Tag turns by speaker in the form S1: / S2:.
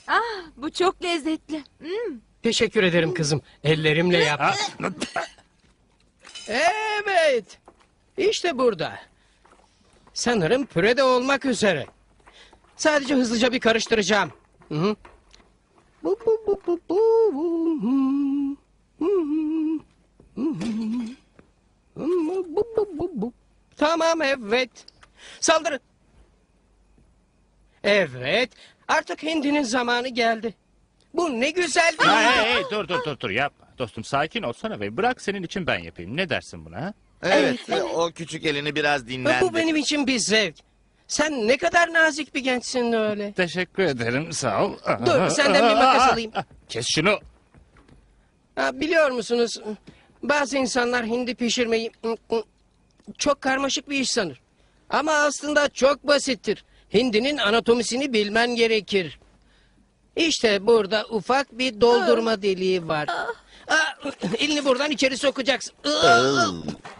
S1: Bu çok lezzetli.
S2: Teşekkür ederim kızım. Ellerimle yaptım. Evet. İşte burada. Sanırım püre de olmak üzere. Sadece hızlıca bir karıştıracağım. Hı hı. Bu, bu, bu, bu, bu, bu, hı, hı, hı, hı, bu, bu, bu, bu. Tamam, evet. Saldırın. Evet. Artık hindinin zamanı geldi. Bu ne güzel bir...
S3: Hey, dur yapma. Dostum sakin olsana ve bırak senin için ben yapayım. Ne dersin buna ha?
S4: Evet, o küçük elini biraz dinlendi.
S2: Bu benim için bir zevk. Sen ne kadar nazik bir gençsin öyle.
S3: Teşekkür ederim sağ ol.
S2: Dur, senden bir makas alayım.
S3: Kes şunu.
S2: Biliyor musunuz? Bazı insanlar hindi pişirmeyi çok karmaşık bir iş sanır. Ama aslında çok basittir. Hindinin anatomisini bilmen gerekir. İşte burada ufak bir doldurma deliği var. Elini buradan içeri sokacaksın.